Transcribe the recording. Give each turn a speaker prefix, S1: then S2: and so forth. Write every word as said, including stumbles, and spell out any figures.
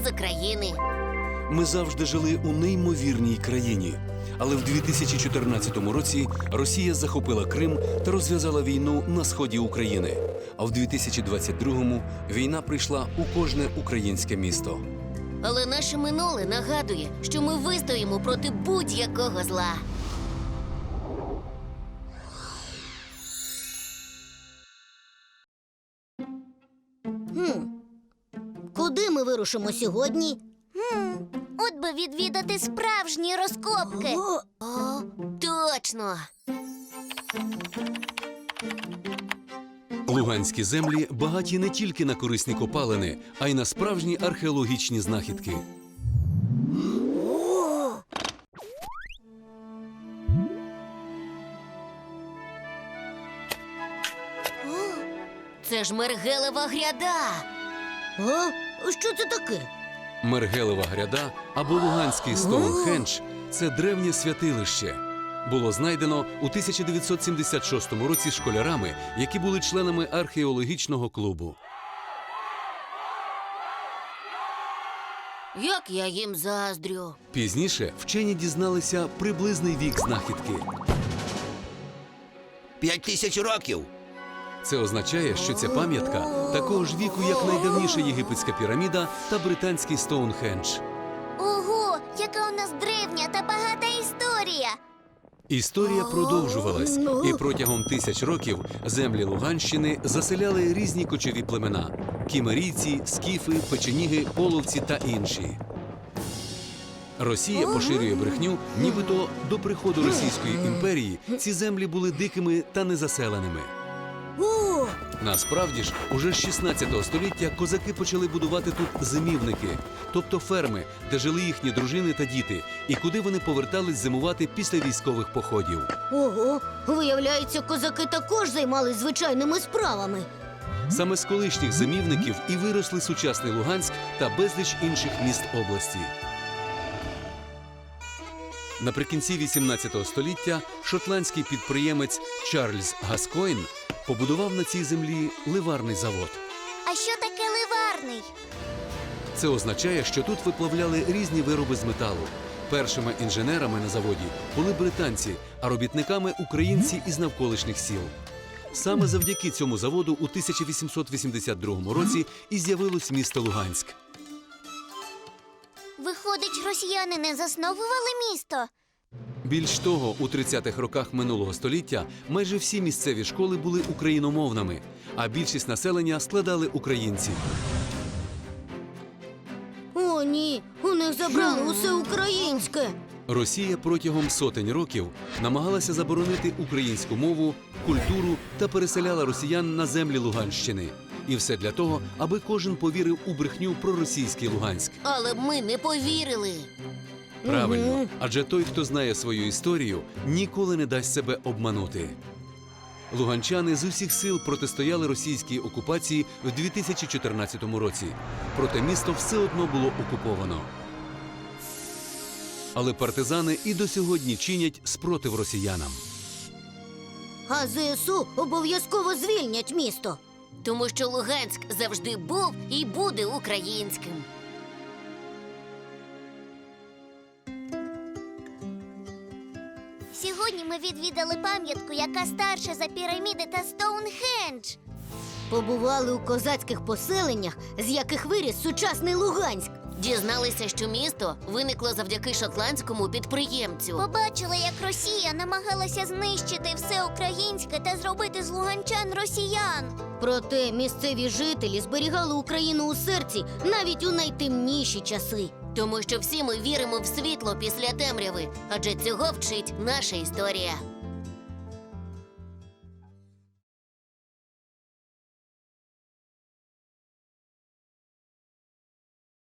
S1: з України.
S2: Ми завжди жили у неймовірній країні. Але в дві тисячі чотирнадцятому році Росія захопила Крим та розв'язала війну на сході України. А в дві тисячі двадцять другому війна прийшла у кожне українське місто.
S1: Але наше минуле нагадує, що ми вистоїмо проти будь-якого зла.
S3: Хм. Куди ми вирушимо сьогодні?
S4: Хм, от би відвідати справжні розкопки.
S3: О,
S1: О, точно!
S2: Луганські землі багаті не тільки на корисні копалини, а й на справжні археологічні знахідки.
S1: Це ж Мергелева гряда!
S3: а? Що це таке?
S2: Мергелева гряда або Луганський Стоунхендж – це древнє святилище. Було знайдено у тисяча дев'ятсот сімдесят шостому році школярами, які були членами археологічного клубу.
S1: Як я їм заздрю!
S2: Пізніше вчені дізналися приблизний вік знахідки.
S5: П'ять тисяч років.
S2: Це означає, що ця пам'ятка такого ж віку, як найдавніша єгипетська піраміда та британський Стоунхендж.
S4: Ого, яка у нас древня та багата історія.
S2: Історія продовжувалась, і протягом тисяч років землі Луганщини заселяли різні кочові племена – кімерійці, скіфи, печеніги, половці та інші. Росія поширює брехню, нібито до приходу Російської імперії ці землі були дикими та незаселеними.
S3: О,
S2: Насправді ж, уже з шістнадцятого століття козаки почали будувати тут зимівники, тобто ферми, де жили їхні дружини та діти, і куди вони повертались зимувати після військових походів.
S3: ого, виявляється, козаки також займались звичайними справами.
S2: Саме з колишніх зимівників і виросли сучасний Луганськ та безліч інших міст області. Наприкінці вісімнадцятого століття шотландський підприємець Чарльз Гаскойн побудував на цій землі ливарний завод.
S4: А що таке ливарний?
S2: Це означає, що тут виплавляли різні вироби з металу. Першими інженерами на заводі були британці, а робітниками – українці із навколишніх сіл. Саме завдяки цьому заводу у тисяча вісімсот вісімдесят другому році і з'явилось місто Луганськ.
S4: Виходить, росіяни не засновували місто?
S2: Більш того, у тридцятих роках минулого століття майже всі місцеві школи були україномовними, а більшість населення складали українці.
S3: О, ні, у них забрали усе українське.
S2: Росія протягом сотень років намагалася заборонити українську мову, культуру та переселяла росіян на землі Луганщини. І все для того, аби кожен повірив у брехню про російський Луганськ.
S1: Але б ми не повірили!
S2: Правильно, адже той, хто знає свою історію, ніколи не дасть себе обманути. Луганчани з усіх сил протистояли російській окупації в дві тисячі чотирнадцятому році. Проте місто все одно було окуповано. Але партизани і до сьогодні чинять спротив росіянам.
S3: А ЗСУ обов'язково звільнять місто.
S1: Тому що Луганськ завжди був і буде українським.
S4: Сьогодні ми відвідали пам'ятку, яка старша за піраміди та Стоунхендж.
S3: Побували у козацьких поселеннях, з яких виріс сучасний Луганськ.
S1: Дізналися, що місто виникло завдяки шотландському підприємцю.
S4: Побачили, як Росія намагалася знищити все українське та зробити з луганчан росіян.
S3: Проте місцеві жителі зберігали Україну у серці навіть у найтемніші часи.
S1: Тому що всі ми віримо в світло після темряви, адже цього вчить наша історія.